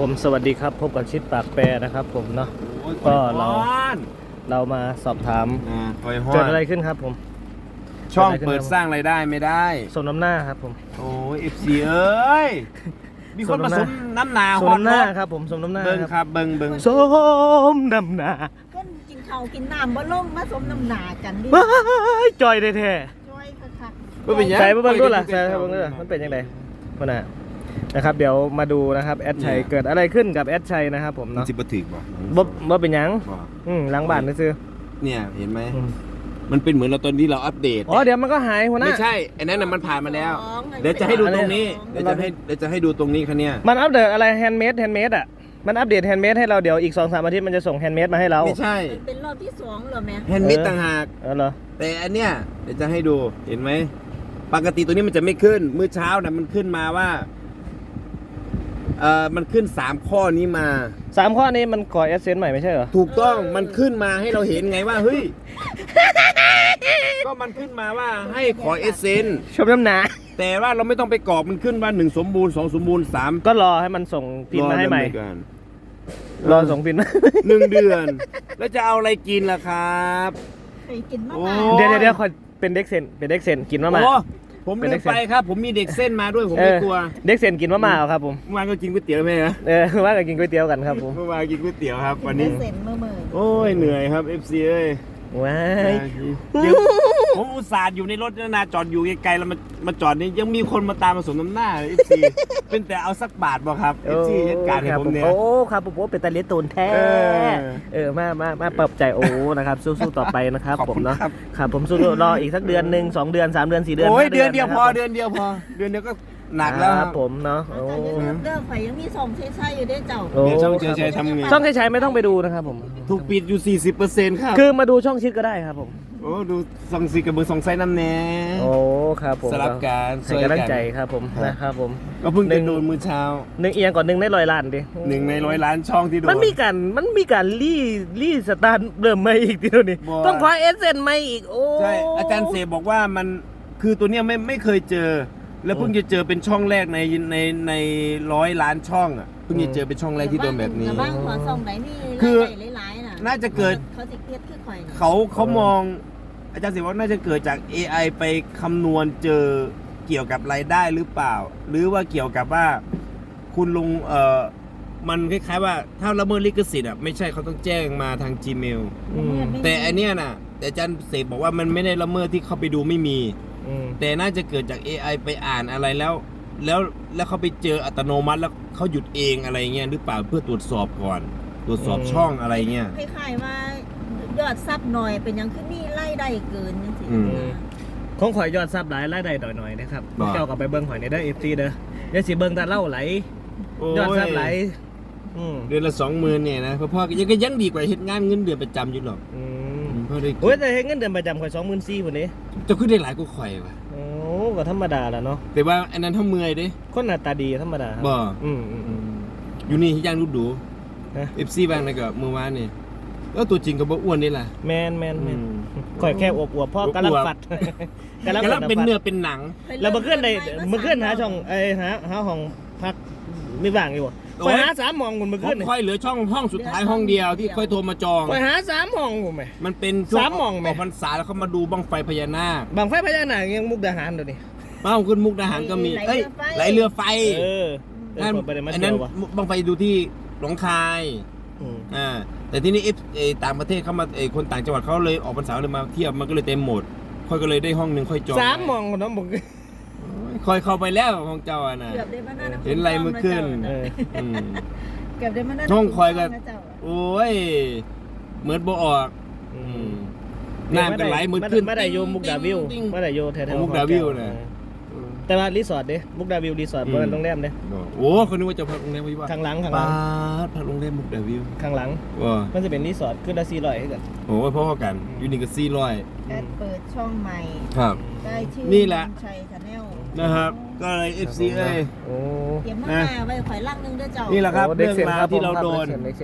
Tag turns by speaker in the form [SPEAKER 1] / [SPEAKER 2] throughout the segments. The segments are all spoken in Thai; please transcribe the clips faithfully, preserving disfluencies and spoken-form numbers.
[SPEAKER 1] ผมสวัสดีครับพบกับชิดปากแปรนะครับผมเนาะก็เราเรามาสอบถามเกิดอะไรขึ้นครับผม
[SPEAKER 2] ช่องเปิดสร้างรายได้ไม่ได้
[SPEAKER 1] สมน้ำหน้าครับผม
[SPEAKER 2] โอ้ย เอฟ ซี เอ้ยมีคนมาสมน้ำหนา
[SPEAKER 1] สมน้ำหน้าครับผมสมน้ำหน้า
[SPEAKER 2] เบิ้งครับเบิ้งเบิ้ง
[SPEAKER 1] สมน้ำหน้า
[SPEAKER 3] ก็กินข้าวกินน้ำบ่ลงมาสมน้ำหนากันดิ
[SPEAKER 1] จอยแท้
[SPEAKER 3] ๆจอยคัก
[SPEAKER 1] ๆใส่เบิ้งด้วยล่ะใส่เบิ้งด้วยมันเป็นยังไงพ่อหน้านะครับเดี๋ยวมาดูนะครับแอดชัยเกิดอะไรขึ้นกับแอดชัยนะครับผมเนาะ
[SPEAKER 2] จิบถึกบ่
[SPEAKER 1] บ่บ่เป็นยังอืมหลังบ้านซื้อ
[SPEAKER 2] เนี่ยเห็นไหมมันเป็นเหมือนเราตอนที่เราอัปเดต
[SPEAKER 1] อ๋อเดี๋ยวมันก็หายหัวหน้า
[SPEAKER 2] ไม่ใช่ไอ้นั่นน่ะมันผ่านมาแล้วเดี๋ยวจะให้ดูตรงนี้เดี๋ยวจะให้เดี๋ยวจะให้ดูตรงนี้คันเนี้ย
[SPEAKER 1] มันอัปเดตอะไรแฮนด์เมดแฮนด์เมดอ่ะมันอัปเดตแฮนด์เมดให้เราเดี๋ยวอีก สองสาม อาทิตย์มันจะส่งแฮนด์เมดมาให้เรา
[SPEAKER 2] ไม่ใช่
[SPEAKER 3] เป็นรอบที่สองเหรอแม่
[SPEAKER 2] แฮนด์เมดต่างหาก
[SPEAKER 1] เออเหรอ
[SPEAKER 2] แต่อันเนี้ยเดี๋ยวจะให้ดูเห็นไหมปกติตัวนี้มันจะไม่ขึ้นมื้อเช้าน่ะมันขึ้นมาว่าเอ่อมันขึ้นสามข้อนี้มา
[SPEAKER 1] สามข้อนี้มันก่อเอสเซนใหม่ไม่ใช่เหรอ
[SPEAKER 2] ถูกต้องมันขึ้นมาให้เราเห็นไงว่าเฮ้ยก็มันขึ้นมาว่าให้ขอเอสเซน
[SPEAKER 1] ชมน้ำหนา
[SPEAKER 2] แต่ว่าเราไม่ต้องไปกรอกมันขึ้นว่าหนึ่งสมบูรณ์สองสมบูรณ์สาม
[SPEAKER 1] ก็รอให้มันส่งพิมพ์มาให้ใหม่รอส่งพิมพ์
[SPEAKER 2] หนึ่งเดือนแล้วจะเอาอะไรกินล่ะครับ
[SPEAKER 3] เคยกินมาก
[SPEAKER 1] เดี๋ยวเดี๋ยวเป็นเด็กเซนเป็นเด็กเซนกินมาก
[SPEAKER 2] ผมลืมไปครับผมมีเด็กเส้นมาด้วยผมไม่กลัว
[SPEAKER 1] เด็กเส้นกินมะม่าครับผม
[SPEAKER 2] เมื่อวานก็กินก๋วยเตี๋ยวไหมฮะ
[SPEAKER 1] เออเมื่อวานก็กินก๋วยเตี๋ยวกันครับผม
[SPEAKER 2] เมื่อวานกินก๋วยเตี๋ยวครับวันนี้
[SPEAKER 3] เส้นเมื่อเมื่อ
[SPEAKER 2] โอ้ยเหนื่อยครับ เอฟ ซี เอ้ย
[SPEAKER 1] ว้าย
[SPEAKER 2] เดี๋ยวผมอุตส่าห์อยู่ในรถนาจอดอยู่ไกลๆแล้วมามาจอดนี่ยังมีคนมาตามมาสมน้ำหน้า เอฟ ซี เป็นแต่เอาสักบาทบ่ครับ เอฟ ซี จัดการให้ผมเนี่ย
[SPEAKER 1] โอ้ครับผมเป็นตาเลี้ยตูนแท้เออมามามาปรับใจโอ้นะครับสู้ๆต่อไปนะครับผมเนาะครับผมสู้รออีกสักเดือนหนึ่งสองเดือนสามเดือนสี่เดือน
[SPEAKER 2] โอ้ยเดือนเดียวพอเดือนเดียวพอเดือนเดียวก็หนักแล้วครับ
[SPEAKER 1] ผมเนาะโอ้
[SPEAKER 3] เด้อไฟยังมีสองใช้ๆอยู่ได้เจ้า
[SPEAKER 2] ช่องใช้ๆทำไง
[SPEAKER 1] ช่องใช้ๆไม่ต้องไปดูนะครับผม
[SPEAKER 2] ถูกปิดอยู่ สี่สิบเปอร์เซ็นต์ ครับ
[SPEAKER 1] คือมาดูช่องชิดก็ได้ครับผม
[SPEAKER 2] โอ้ดูสองสีกับเบอร์สองไซน้ำแน่
[SPEAKER 1] โอ้ครับผม
[SPEAKER 2] สลับการ
[SPEAKER 1] ให้กำลังใจครับผมนะครับผม
[SPEAKER 2] ก็เพิ่งจะดูมื้อเช้า
[SPEAKER 1] หนึ่งเอียงก่อนหนึ่งในร้อยล้านดิ
[SPEAKER 2] หนึ่งในร้อยล้านช่องที่โดน
[SPEAKER 1] มันมีการมันมีการรีรีสตาร์ทเริ่มใหม่อีกทีนี้ต้องขอเอสเซนใหม่อีกโอ้
[SPEAKER 2] ใช่อาจารย์เสบอกว่ามันคือตัวเนี้ยไม่ไม่เคยเจอแล้วเพิ่งจะเจอเป็นช่องแรกในในในร้อยล้านช่องอ่ะเพิ่งจะเจอเป็นช่องแรกที่โดนแบบนี้
[SPEAKER 3] บ้างขอส่งไหนนี่คือหลายๆน่ะ
[SPEAKER 2] น่าจะเกิด
[SPEAKER 3] เขาจะเครียดขึ้นข่อย
[SPEAKER 2] เขาเขามองอาจารย์เสบอกน่าจะเกิดจาก เอ ไอ ไปคำนวณเจอเกี่ยวกับรายได้หรือเปล่าหรือว่าเกี่ยวกับว่าคุณลงเอ่อมันคล้ายๆว่าถ้าละเมิดลิขสิทธิ์อ่ะไม่ใช่เขาต้องแจ้งมาทาง Gmail แต่อันเนี้ยน่ะแต่อาจารย์เสบอกว่ามันไม่ได้ละเมิดที่เขาไปดูไม่มีแต่น่าจะเกิดจาก เอ ไอ ไปอ่านอะไรแล้วแล้วแล้วเขาไปเจออัตโนมัติแล้วเขาหยุดเองอะไรเงี้ยหรือเปล่าเพื่อตรวจสอบก่อนตรวจสอบช่องอะไรเงี้ย
[SPEAKER 3] คล้ายๆว่ายอดซับหน่อยเป็นยังขึ้นนี่ไล่ได้เกินจังซี่
[SPEAKER 1] ของข่อยยอดซับหลายไล่ได้หน่อยๆนะครับเจ้ากับไปเบิ้งข่อยในเด้อ เอฟ ซี เด้อเดี๋ยวสิเบิ้งตาเล่าไหลยอดซับไหล
[SPEAKER 2] เดือนละสองหมื่นเนี่ยนะพ่อพ่อยังก็ยังดีกว่าเฮ็ดงานเงินเดือนประจำอยู่หรอก
[SPEAKER 1] พ่อได้โอ้ยแต่เฮ็ดเงินเดือนประจำข่อยสองหมื่นสี่คนนี้
[SPEAKER 2] จะขึ้นได้หลายกว่าข่อยว่ะ
[SPEAKER 1] โอ้ก็ธรรมดาแหละเนาะ
[SPEAKER 2] แต่ว่าอันนั้นเท่าเมื่อยเด้
[SPEAKER 1] คนหน้าตาดีธรรมดา
[SPEAKER 2] บ่อืมอยู่นี่ย่างรูปดูเอฟซีบางนะก็เมื่อวานนี่ก็ตัวจริงก็บ่อ้วนนี่แหละ
[SPEAKER 1] แมนแมนแมนข่อยแค่อวบๆพ่อกำลังฟัด
[SPEAKER 2] กำลังเป็นเนื้อเป็นหนัง
[SPEAKER 1] แล้วเมื่อคืนได้เมื่อคืนหาช่องไอ้หาหาห้องพักไม่ว่างอยู่ไปหาสามห้องคนเมื่อคืน
[SPEAKER 2] ค่อยเหลือช่องห้องสุดท้ายห้องเดียวที่ค่อยโทรมาจอง
[SPEAKER 1] ไปหาสามห้องผมไหม
[SPEAKER 2] มันเป็นสามห้องไหมพรรษาแล้วเขามาดูบังไฟพญานาค
[SPEAKER 1] บังไฟพญานาคยังมุกดาหารเดี๋ยวนี้
[SPEAKER 2] บ้าขึ้นมุกดาหารก็มีเอ้ยไหลเรือไฟ
[SPEAKER 1] เออ
[SPEAKER 2] นั่นอันนั้นบังไฟดูที่หนองคายอ่าแต่ที่นี่เอฟต่างประเทศเขามาเอคนต่างจังหวัดเขาเลยออกพรรษาเลยมาเที่ยวมันก็เลยเต็มหมดค่อยก็เลยได้ห้องหนึ่งค่อยจอง
[SPEAKER 1] สามห้องน้องบอก
[SPEAKER 2] ค่อยเข้าไปแล้วของเจ้าอ่ะนะเห็นไรมือขึ้น
[SPEAKER 3] เก็บได้มา
[SPEAKER 2] ห้องคอยกันโอ้ยเหมือนบ่ออกน้ำกันไหลมือขึ้น
[SPEAKER 1] ไม่ได้โยมุกดาวิวไม่ได้โยแถว
[SPEAKER 2] ๆมุกดาวิวนะ
[SPEAKER 1] แต่ว่ารีสอร์ทเด้มุกดาวิวรีสอร์ทบนโรงแรมเด้
[SPEAKER 2] โอ้คนนึกว่าจะพักโรงแรมวิว
[SPEAKER 1] ข้างหลังข้างหลัง
[SPEAKER 2] พักโรงแรมมุกดาวิว
[SPEAKER 1] ข้างหลังมันจะเป็นรีสอร์ทขึ้นละสี่ร้อยให้กัน
[SPEAKER 2] โอ้พ่อกันยูนิคสี่ร้อย
[SPEAKER 3] แอดเปิดช่องใหม่
[SPEAKER 2] ครับ
[SPEAKER 3] ได้ชื่อ
[SPEAKER 2] นี่แหละ
[SPEAKER 3] ชัยชาแนล
[SPEAKER 2] นะครับก็เลย เอฟ ซี เอ้ย
[SPEAKER 3] เตรียมมาไว้ข่อยลังนึงด้วยเจ้า
[SPEAKER 2] นี่แหละครับเรื่องราวที่เราโดน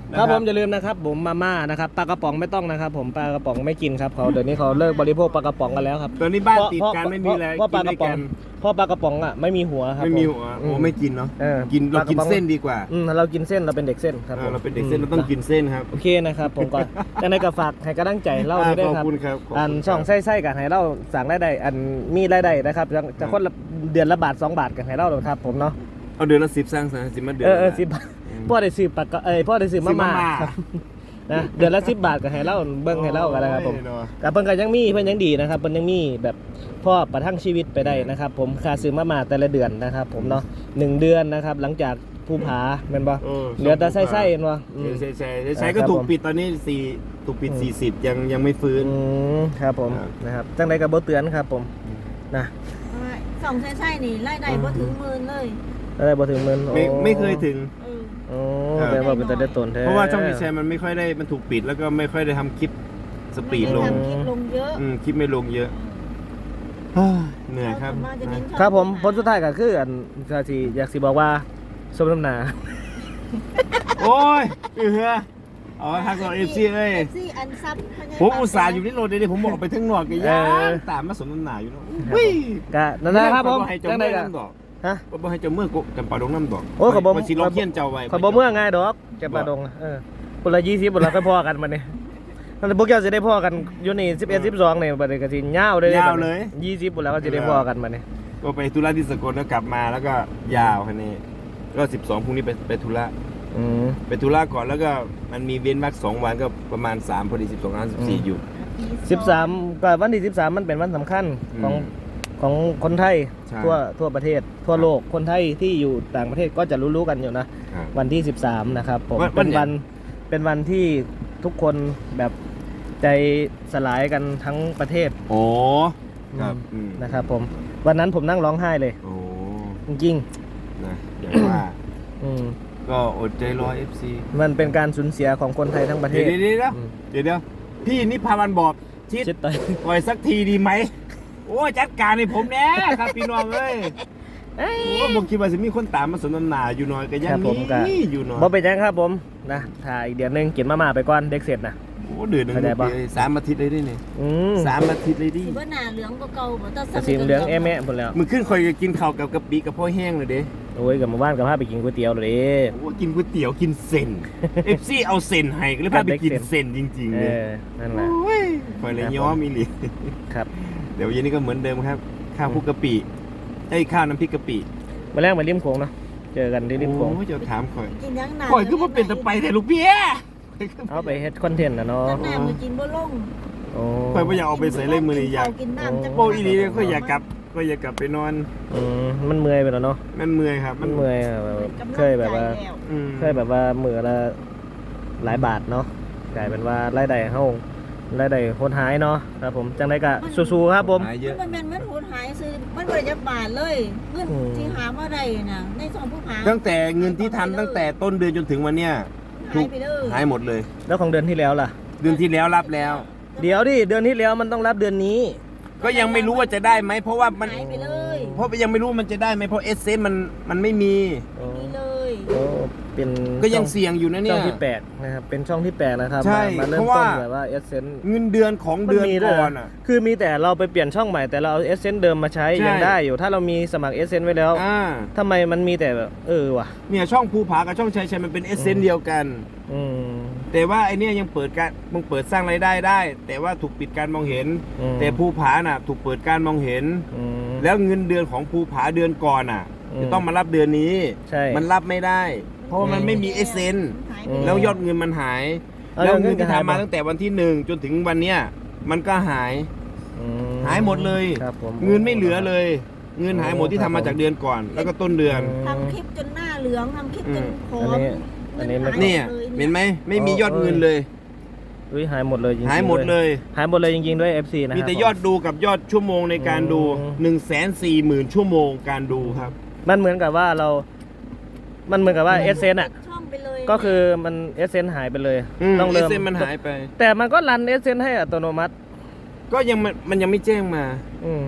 [SPEAKER 1] ครับผมอย่าลืมนะครับผมมาม่านะครับปลากระป๋องไม่ต้องนะครับผมปลากระป๋องไม่กินครับเขาเดี๋ยวนี้เขาเลิกบริโภคปลากระป๋องกันแล้วครับ
[SPEAKER 2] ตอนนี้บ้านติดกันไม่มีอะไร
[SPEAKER 1] เพราะป
[SPEAKER 2] กิ
[SPEAKER 1] ลาน ก
[SPEAKER 2] ด้ว
[SPEAKER 1] ระ
[SPEAKER 2] ย
[SPEAKER 1] ป๋อ
[SPEAKER 2] กั
[SPEAKER 1] ง
[SPEAKER 2] น
[SPEAKER 1] เพราะปลากระป๋องอ่ะไม่มีหัวครับ
[SPEAKER 2] ไม่มี
[SPEAKER 1] ผ
[SPEAKER 2] หัวโอ้ไม่กินเนาะ
[SPEAKER 1] เออ
[SPEAKER 2] กินเรากิน
[SPEAKER 1] ปลากระป๋อง
[SPEAKER 2] เส้นดีกว่า
[SPEAKER 1] อืมเรากินเส้นเราเป็นเด็กเส้นครับ
[SPEAKER 2] เอ
[SPEAKER 1] ผ
[SPEAKER 2] อ
[SPEAKER 1] ม
[SPEAKER 2] เราเป็นเด็กเส้นเราต้องกินเส้นครับ
[SPEAKER 1] โอเคนะครับผมก็แต่ในกระฝากให้กำลังใจเล่าด้วย
[SPEAKER 2] ขอบ
[SPEAKER 1] ครับ
[SPEAKER 2] คุณครับขอบคุณ
[SPEAKER 1] อันช่อง
[SPEAKER 2] ครับ
[SPEAKER 1] ไส้ๆกันให้เล่าสั่งได้ได้อันมีรายได้นะครับจะจะคนละเดือนละบาทสองบาทกันให้เล่าเลยครับผมเนาะ
[SPEAKER 2] เอาเดือนละสิบสร้างสรรค์สิบมาเดือน
[SPEAKER 1] เออเออ
[SPEAKER 2] ละ
[SPEAKER 1] สิบบาทพ่อได้ซื้อปากกาเอ้ยพ่อได้ซื้อมาม่า
[SPEAKER 2] ซื้อมาม่า
[SPEAKER 1] ครับนะเดือนละสิบบาทกันให้เล่าเบิ้งให้เล่ากันนะครับผม
[SPEAKER 2] โอ้ยเนาะ
[SPEAKER 1] กับเพิ่นก็ยังมีเพิ่นยังดีนะครับเพิ่นยังมีแบบพ่อประทังชีวิตไปได้นะครับผมค่าซื้อมาม่าแต่ละเดือนนะครับผมเนาะหนึ่งเดือนนะครับหลังจากภูผาแม่นบ่
[SPEAKER 2] เออ
[SPEAKER 1] เหลือแต่ไส้ๆเห็นบ่อืม
[SPEAKER 2] ใช่ใช่ใช่ใช่
[SPEAKER 1] อ่า
[SPEAKER 2] ก็
[SPEAKER 1] ครับ
[SPEAKER 2] ถูก
[SPEAKER 1] ผม
[SPEAKER 2] ปิดตอนนี้สี่ถูกปิด
[SPEAKER 1] อืม
[SPEAKER 2] สี่สิบยังยังไม่ฟื้น
[SPEAKER 1] อืมครับผม
[SPEAKER 2] ครับ
[SPEAKER 1] นะครับจังไดก็บ่เตือนครับผมนะ
[SPEAKER 3] สองใช่ๆนี่ไล่ได้บ่ถึงหมื่นเลย
[SPEAKER 1] อะไรบ่ถึงหมื่น
[SPEAKER 2] ไม่
[SPEAKER 1] โอ้
[SPEAKER 2] ไม่เคยถึง
[SPEAKER 3] เออ
[SPEAKER 1] โอ้
[SPEAKER 2] ครับ
[SPEAKER 1] แต่ว่าเป็นแต่ได้ตนแท้
[SPEAKER 2] เพราะว่าช่องดีแชร์มันไม่ค่อยได้มันถูกปิดแล้วก็ไม่ค่อยได้ทำคลิปสปีดลง
[SPEAKER 3] ไม่ไทำคลิปลงเยอะ
[SPEAKER 2] อืมคลิปไม่ลงเยอะเฮ้ยเหนื่อยครับ
[SPEAKER 3] ส่วนมากจะเน้นช่อง
[SPEAKER 1] ครับผมผลสุดท้ายก็คืออันก็สิอยากสิบอกว่าสมน้ำหน้า
[SPEAKER 2] โอ้ยเออเอาทักเราเอฟซีเอ้ย
[SPEAKER 3] เอฟซีอันซับ
[SPEAKER 2] ผมอุตส่าห์อยู่ที่โรดเลยผมบอกไปทั้งนอกกันยั
[SPEAKER 1] เออ
[SPEAKER 2] งตามมาสมน้ำหนาอยู่เนาะอุ้ย
[SPEAKER 1] ก็นั่นนะครับผม
[SPEAKER 2] ให้เจ้า
[SPEAKER 1] จังได
[SPEAKER 2] เมื่อ
[SPEAKER 1] ก็
[SPEAKER 2] น้ำดอก
[SPEAKER 1] ฮะ
[SPEAKER 2] บ่ให้เจ้าเมื่อกูจำปาดงน้ำดอก
[SPEAKER 1] โอ้ยขอบคุณ
[SPEAKER 2] ว่าสิลองเขียนเจ้าไว้
[SPEAKER 1] ขอยบ่เมื่อง่ายดอกแกปลาดงเออคนละยี่สิบคนละก็พอกันมาเนี่ยนั่นพวกเจ้าจะได้พอกันอยู่นี่สิบเอ็ดสิบสองเนี่ยบัดนี้ก็สิยาวเลย
[SPEAKER 2] ยาวเลย
[SPEAKER 1] ยี่สิบคนแล้วก็จะได้พอกันมาเนี่ย
[SPEAKER 2] ก็ไปธุระที่สกลแล้วกลับมาแล้วก็ยาวคันนี้ก็สิบสองพรุ่งนี้ไปไปธุระ
[SPEAKER 1] อืม
[SPEAKER 2] ไปธุระก่อนแล้วก็มันมีเว้นวักสองวันก็ประมาณสามพอดีสิบสองสิบสี่อยู่
[SPEAKER 1] สิบสามก็วันที่สิบสามมันเป็นวันสำคัญ
[SPEAKER 2] อืม
[SPEAKER 1] ของของคนไทย
[SPEAKER 2] ใช่
[SPEAKER 1] ทั่วทั่วประเทศ ทั่วโลกคนไทยที่อยู่ต่างประเทศก็จะรู้ๆกันอยู่นะ
[SPEAKER 2] ครับ
[SPEAKER 1] วันที่สิบสามนะครับผม
[SPEAKER 2] วันวั
[SPEAKER 1] เป็น น
[SPEAKER 2] ไหน
[SPEAKER 1] วันเป็นวันที่ทุกคนแบบใจสลายกันทั้งประเทศ
[SPEAKER 2] โอ้ครับอืม
[SPEAKER 1] นะครับผมวันนั้นผมนั่งร้องไห้เลย
[SPEAKER 2] โอ้
[SPEAKER 1] จริง
[SPEAKER 2] นะอย่างว่า
[SPEAKER 1] ๆอืม
[SPEAKER 2] ก็อดใจรอ เอฟ ซี
[SPEAKER 1] มันเป็นการสูญเสียของคนไทยทั้งประเท
[SPEAKER 2] เดี๋ยว
[SPEAKER 1] ศ
[SPEAKER 2] เดี๋ยวเดี๋ยว
[SPEAKER 1] อืม
[SPEAKER 2] เดี๋ยวเดี๋ยวพี่นิพาวันบอกชิด
[SPEAKER 1] ชิดไป
[SPEAKER 2] ปล่อยสักทีดีไหมโอ้ยจัดการให้ผมแน่ครับพี่น้องเอ้ยโอ้ผมคิดว่าจะมีคนตามมาสนทนาอยู่หน่อยก็ยังมีอยู่หน่อย
[SPEAKER 1] บ่เป็นยังครับผมนะถ่ายอีกเดือนหนึงกินมาม่าไปก่อนเด็กเสร็จนะ
[SPEAKER 2] โอ้เดือนหนึง
[SPEAKER 1] เข้าใจปะ
[SPEAKER 2] สามอาทิตย์เลยดิเนี่ย
[SPEAKER 1] อืม
[SPEAKER 2] สามอาทิตย์เลยดิ
[SPEAKER 3] สิบ่หน้าเหลืองกว่าเก่าบ่ต้อง
[SPEAKER 1] กระสีเหลืองแอแม่หมดแล้ว
[SPEAKER 2] มึงขึ้นคอยกินข้าวกับกะปิกับพ่อแห้งเลยเด้
[SPEAKER 1] โอ้ยกับมาบ้านกับพาไปกินก๋วยเตี๋ยวเลย
[SPEAKER 2] โอ้กินก๋วยเตี๋ยวกินเส้น เอฟซีเอาเส้นให้ก็เลยพาไปกินเส้นจริงๆ
[SPEAKER 1] เอ
[SPEAKER 2] เลย
[SPEAKER 1] อนั่นแหละ
[SPEAKER 2] โอ้ยคอยเลยย้อมอีหลี
[SPEAKER 1] ครับ
[SPEAKER 2] เดี๋ยวเย็นนี้ก็เหมือนเดิมครับ ข้าวคลุกกะปิไอ้ยข้าวน้ำพริกกะปิ
[SPEAKER 1] มาแรกมาริมโขงเนาะเจอกันที่ริมโขง
[SPEAKER 2] โอ้ยเจะถามคอย
[SPEAKER 3] กินยังหน้า
[SPEAKER 2] คอยคือว่าเป็นตะไปแต่ลูกเบี้ย
[SPEAKER 1] เอาไปเฮ็ดคอนเทนต์นะเนาะ
[SPEAKER 3] จังหน้ามือกินบ่ลง
[SPEAKER 1] โอ้
[SPEAKER 2] คอยไม่อยากเอาไปใส่เลยมือนี่อยาก
[SPEAKER 3] กินน้ำจัก
[SPEAKER 2] โปอีหลีเลยก็อยากกลับก็อยากกลับไปนอน
[SPEAKER 1] อืมมันเมื่อยไปแล้วเนาะ
[SPEAKER 2] มันเมื่อยครับ
[SPEAKER 1] มันเมื่อยอะแบบเคยแบบว่า
[SPEAKER 2] อืม
[SPEAKER 1] เคยแบบว่ามือละหลายบาทเนาะกลายเป็นว่ารายได้เฮารายได้โหดหายเนาะครับผมจังไดก็สู้ๆครับผม
[SPEAKER 2] หายเยอะ
[SPEAKER 3] มันเป็นมันหูหายซื้อมันบริจาคบาทเลยเงิน
[SPEAKER 1] อืม
[SPEAKER 3] ที่หามาได้น่ะในซองผู้หา
[SPEAKER 2] ตั้งแต่เงินที่ทำตั้งแต่ต้นเดือนจนถึงวันเนี้ย
[SPEAKER 3] หายไปเลย
[SPEAKER 2] หายหมดเลย
[SPEAKER 1] แล้วของเดือนที่แล้วล่ะ
[SPEAKER 2] เดือนที่แล้วรับแล้ว
[SPEAKER 1] เดี๋ยวดิเดือนที่แล้วมันต้องรับเดือนนี้
[SPEAKER 2] ก็ยังไม่รู้ว่าจะได้ไหมเพราะว่ามัน
[SPEAKER 3] หายไปเลย
[SPEAKER 2] เพราะยังไม่รู้มันจะได้ไหมเพราะเอสเซมันมันไม่มี
[SPEAKER 1] โอ้
[SPEAKER 3] นี่เลย
[SPEAKER 1] โอ้เป็น
[SPEAKER 2] ก็ยัง
[SPEAKER 1] ช่อ
[SPEAKER 2] เสี่ยงอยู่นะเนี่
[SPEAKER 1] ช่อย งที่แปลกนะครับเป็นช่องที่แปลกนะครับ
[SPEAKER 2] ใช่
[SPEAKER 1] มามาเริ่ม
[SPEAKER 2] เพราะ
[SPEAKER 1] ต้
[SPEAKER 2] ว่า
[SPEAKER 1] นแบบว่าเอเซน
[SPEAKER 2] เงินเดือนของเดือนก่อนอ่ะ
[SPEAKER 1] คือมีแต่เราไปเปลี่ยนช่องใหม่แต่เราเอาเอเซนเดิมมาใช้
[SPEAKER 2] ใช่
[SPEAKER 1] ยังได้อยู่ถ้าเรามีสมัครเอเซนไว้แล้ว
[SPEAKER 2] อ่า
[SPEAKER 1] ทำไมมันมีแต่แบบเออว่ะ
[SPEAKER 2] เนี่ยช่องภูผากับช่องชัยชัยมันเป็นเอสเซนเดียวกัน
[SPEAKER 1] อืม
[SPEAKER 2] แต่ว่าไอเนี้ยยังเปิดการมึงเปิดสร้างรายได้ได้ แต่ว่าถูกปิดการมองเห็น
[SPEAKER 1] อืม
[SPEAKER 2] แต่ภูผาน่ะ ถูกเปิดการมองเห็น
[SPEAKER 1] อืม
[SPEAKER 2] แล้วเงินเดือนของภูผาเดือนก่อนอ่ะ
[SPEAKER 1] อืม
[SPEAKER 2] จะต้องมารับเดือนนี้
[SPEAKER 1] ใช่
[SPEAKER 2] มันรับไม่ได้ เพราะว่ามันไม่มีเอสเซน
[SPEAKER 3] หายไป
[SPEAKER 1] อืม
[SPEAKER 2] แล้วยอดเงินมันหาย
[SPEAKER 1] เอา
[SPEAKER 2] แล้ว
[SPEAKER 1] เงิ
[SPEAKER 2] เงิ
[SPEAKER 1] น
[SPEAKER 2] นที่
[SPEAKER 1] หาย
[SPEAKER 2] ทำมา
[SPEAKER 1] ปะ
[SPEAKER 2] ตั้งแต่วันที่หนึ่งจนถึงวันเนี้ยมันก็หาย
[SPEAKER 1] อืม
[SPEAKER 2] หายหมดเลย
[SPEAKER 1] ครับผม
[SPEAKER 2] เงินไม่เหลือเลย เงินหายหมดที่ทำมาจากเดือนก่อน แล้วก็ต้นเดือน
[SPEAKER 1] อืม
[SPEAKER 3] ทำคลิปจนหน้าเหลืองทำคลิปจนผอ
[SPEAKER 1] อัน
[SPEAKER 3] ม
[SPEAKER 1] นี้อันนี้ไม่
[SPEAKER 3] งิหา
[SPEAKER 2] เนี่ย
[SPEAKER 3] ล
[SPEAKER 2] เห็นไหมไม่มียอดเงินเลย
[SPEAKER 1] อุ้ยหายหมดเลยจริงๆ
[SPEAKER 2] หายหมดเลย
[SPEAKER 1] หายหมดเลยจริงๆด้วย เอฟ ซี นะครับ
[SPEAKER 2] มีแต่ยอดดูกับยอดชั่วโมงในการดู
[SPEAKER 1] อืม
[SPEAKER 2] หนึ่งแสนสี่หมื่นชั่วโมงการดูครับ
[SPEAKER 1] มันเหมือนกับว่าเรา มันเหมือนกับว่าเอเซนอ่ะ
[SPEAKER 3] ช่องไปเลย
[SPEAKER 1] ก็คือมันเอเซนหายไปเลย
[SPEAKER 2] อืม
[SPEAKER 1] ต้อง
[SPEAKER 2] เอ
[SPEAKER 1] เริ่ม
[SPEAKER 2] เซนมันหายไป
[SPEAKER 1] แต่มันก็รันเอเซนให้อัตโนมัติ
[SPEAKER 2] ก็ยังมันมันยังไม่แจ้งมา
[SPEAKER 1] อืม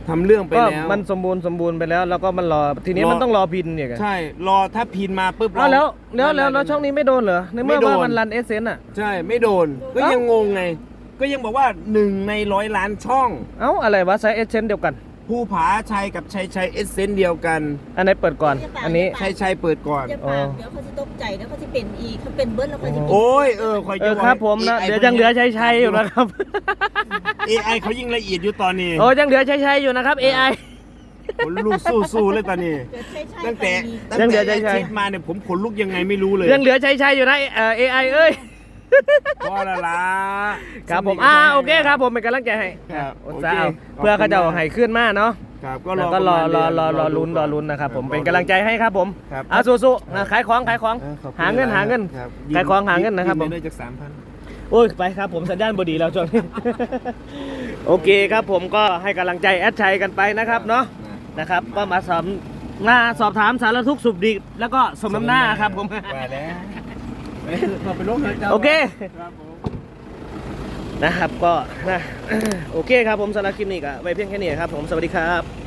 [SPEAKER 2] ทำเรื่องไป
[SPEAKER 1] ก็
[SPEAKER 2] แล้ว
[SPEAKER 1] มันสมบูรณ์สมบูรณ์ไปแล้ว แล้วก็มันรอทีนี้
[SPEAKER 2] รอ
[SPEAKER 1] มันต้องรอพินเนี่ยกัน
[SPEAKER 2] ใช่ รอถ้าพินมาปุ๊บ
[SPEAKER 1] อ้าวแล้วแล้ว
[SPEAKER 2] มัน
[SPEAKER 1] แล้วแล้วช่องนี้ไม่โดนเหรอในเมื่อ
[SPEAKER 2] ไม่โดน
[SPEAKER 1] ว่ามันรันเอเซนอ่ะ
[SPEAKER 2] ใช่ไม่โดน ก็
[SPEAKER 1] เอ้ายั
[SPEAKER 2] ยังงงไง ก็ยังบอกว่าหนึ่งในร้อยล้านช่อง
[SPEAKER 1] เอ้าอะไรวะใช้เอเซนเดียวกัน
[SPEAKER 2] ภูผาชัยกับชัยชัยเอสเซนเดียวกัน
[SPEAKER 1] อันไหนเปิดก่อน อันนี้
[SPEAKER 2] ชัยชัยเปิดก่อน
[SPEAKER 3] อย่าปากเดี๋ยวเขาจะตกใจเดี๋ยวเขาจะเป็นอีกเขาเป็นเบิ้ลแล้วเขาจะเป็น
[SPEAKER 2] โอ้ยเออคอย
[SPEAKER 1] เอ
[SPEAKER 2] จะ
[SPEAKER 1] อครับผมนะเดี๋ยวยังเหลือใช้ใช้อยู่นะครับ
[SPEAKER 2] เอไอเขายิ่งละเอียดอยู่ตอนนี้
[SPEAKER 1] โอ้ยังเหลือใช้ใช้อยู่นะครับ เอ ไอ
[SPEAKER 2] ขนลุกสู้ๆเลยตอนนี้
[SPEAKER 3] เกิดใช่ใช่
[SPEAKER 2] ตั้งแต่
[SPEAKER 3] มี
[SPEAKER 2] ตั้ง
[SPEAKER 1] ยังเหลื
[SPEAKER 2] แต่
[SPEAKER 1] อใช่
[SPEAKER 2] อาทิตย์มาเนี่ยผมขนลุกยังไงไม่รู้เลย
[SPEAKER 1] ยังเหลือใช้ใช้อยู่นะเอ่อ เอ ไอ เอ้ย
[SPEAKER 2] พอละละ
[SPEAKER 1] ครับผมอ่าโอเคครับผมเป็นกำลังใจให้
[SPEAKER 2] ครับ
[SPEAKER 1] อด
[SPEAKER 2] โอ
[SPEAKER 1] ซะ
[SPEAKER 2] เค
[SPEAKER 1] เอา
[SPEAKER 2] ขบ
[SPEAKER 1] เพื่อเขาจะ
[SPEAKER 2] คุณ
[SPEAKER 1] ให้ขึ้นมาเนาะ
[SPEAKER 2] ครับก็ร
[SPEAKER 1] แล้ว
[SPEAKER 2] อ
[SPEAKER 1] ก็รอ
[SPEAKER 2] ประ
[SPEAKER 1] รอ
[SPEAKER 2] มาณ
[SPEAKER 1] รอรอ
[SPEAKER 2] เดื
[SPEAKER 1] ลุ้นรอลุ้นนะครับผมเป็นกำลังใจให้ครับผม
[SPEAKER 2] ครับ
[SPEAKER 1] อ่ะสู้ๆนะขายของขายของ
[SPEAKER 2] เออขอบคุณ
[SPEAKER 1] หาเงินหาเงิน
[SPEAKER 2] ครับ
[SPEAKER 1] ขายของหาเงินนะครับ
[SPEAKER 2] ยื
[SPEAKER 1] ผม
[SPEAKER 2] ไปเลยจากสามพัน
[SPEAKER 1] โอ้ยไปครับผมสัญญาณบดีแล้วช่วงนี้ โอเคครับผมก็ให้กำลังใจแอดชัยกันไปนะครับเนาะนะครับก็มาสอบมาสอบถามสารทุกข์สุขดิบแล้วก็สมน้ำหน้าครับผม
[SPEAKER 2] มาแล้วพอไปลงเลยจ้า
[SPEAKER 1] โอเค
[SPEAKER 2] ครับผม
[SPEAKER 1] นะครับก็นะ โอเคครับผมสำหรับคลิปนี้ก็ไว้เพียงแค่นี้ครับผมสวัสดีครับ